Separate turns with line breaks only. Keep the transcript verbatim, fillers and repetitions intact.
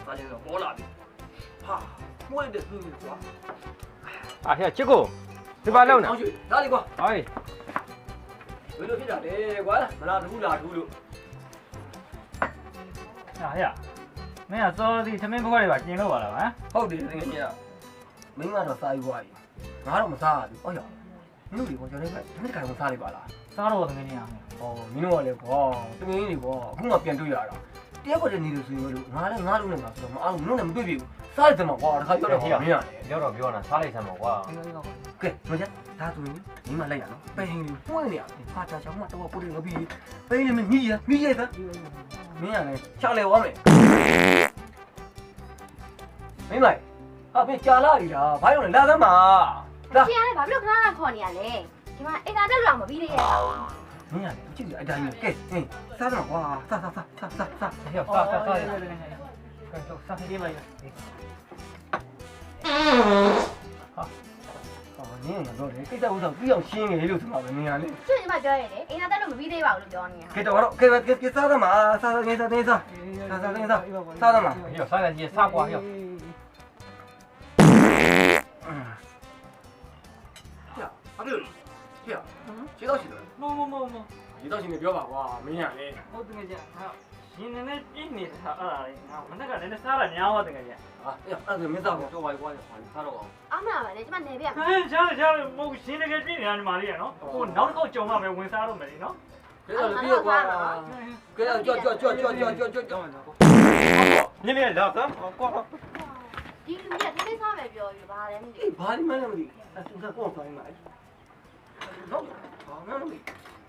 စားချင်းတော့ပေါ်လာပြီဟာမွေးတဲ့သူ့ကွာ
အာဟဲ့ချစ်ကိုဒီပါလုံးနော်
အောင်ရွှေဒါလေးကွာ
ဟေး
ဘယ်လိုဖြစ်တာလဲကွာမလားဘူးလားဘူးလို့
ဟာဟဲ့မင်းကစောဒီသမင်းဘွားတွေပါကျင်လို့ပါလားဟမ်
ဟုတ်တယ်တကယ်ကြီးမင်းကတော့စားယူသွားပြီငါတော့မစားဘူးအော်ရမင်းတို့ကကျွန်တော်လည်းဒီနေ့ကံစားလိုက်ပါလား
စားတော့သမင်းနေရမယ်
ဟောမင်းတို့ကလည်းကွာတကယ်ကြီးကွာအခုမှပြန်တွေ့ရတာတယောက်ကတည်းကနေလို့ဆိုလို့ငါလည်းငါလုံးနဲ့ငါဆိုတော့မအောင်မင်းတို့လည်းမတွေ့ပြီစားလိုက်တယ်မှာကွာတခါပြောတော့မင်းရတယ်
ပြောတော့ပြောတာစားလိုက်စမ်းပါကွာ
ကဲမကြဒါဆိုရင်မိမလိုက်ရနော်ပိန်လေးပွင့်နေရတယ်ဟာချာချောင်းမတော့ပို့တယ်ငါပြီးပိန်လေးမမြည်ရမြည်ရသမင်းရတယ်ချောက်လေဝါမယ်မင်းမဟာပြကြာလာပြီလားဘာလို့လဲလာသမ်းပါလာ
ရှင်ရတယ်ဘာဖြစ်လို့ခဏခဏခေါ်နေရလဲဒီမှာအိမ်သာတက်လို့မပြီးသေးရဲ့
မင်းရတယ်ကြည့်အတိုင်းကဲဟင်းစားတော့ကွာစားစားစားစားစားစား
ဟဲ့စားစားစားရ
ကဲတော့စားပြေးလိုက်ရ
ဟောနင်းကတော့လေကိစ္စဥစ္စာပြီးအောင်ရှင်းနေလို့ဆိုမှာပဲမင်းရလေ
ရှင်ညီမပြောရတယ်အိမ်သာတက်လို့မပြီးသေးပါဘူးလို့ပြောနေတာ
ကဲတော့တော့ကဲကဲစားသမ်းပါစားစားငင်းစားတင်းစားစားစားတင်းစားစားသမ်းပါ
ဟဲ့စားလိုက်ကြီးစားကွာဟဲ့
ဟဲ့ဘာလို့လဲဟဲ့ခြေတော့ရှိတယ်
မမမမ
ခြေတော့ရှိနေပြောပါကွာမင်းရလေ
ဟုတ်တယ်ကြဟာရှင်နေနေပြင်းနေတာအဲ့ဒါလေးငါမနေ့ကလည်းစားလာများသွားတယ်ကြ
ဟာအဲ့ဒါမင်းစားပါ
တော့ဝိုင်ကွာစားတော့အောင်
အမလာပါလေကျမနေပြရမှာ
ဟဲ့ရှားရှားမဟုတ်ရှင်တကယ်ပြင်းနေတာညီမလေးရနော်ဟိုနောက်တစ်ခေါက်ကြုံမှပဲဝင်စားတော့မယ်နော်
ကဲတော့ပြီးကွာကဲတော့ကြွကြွကြွကြွကြွကြွကြွ
နင်းနေလာစမ်းကွာ
ဒီလူကြီးကဒီနေ့စားမယ်ပြောပြီးဘာလဲမသိ
အေးဘာဒီမလဲမသိအဲ့သူကကောင်းဆိုင်မှာနော်ဘာမှမသိ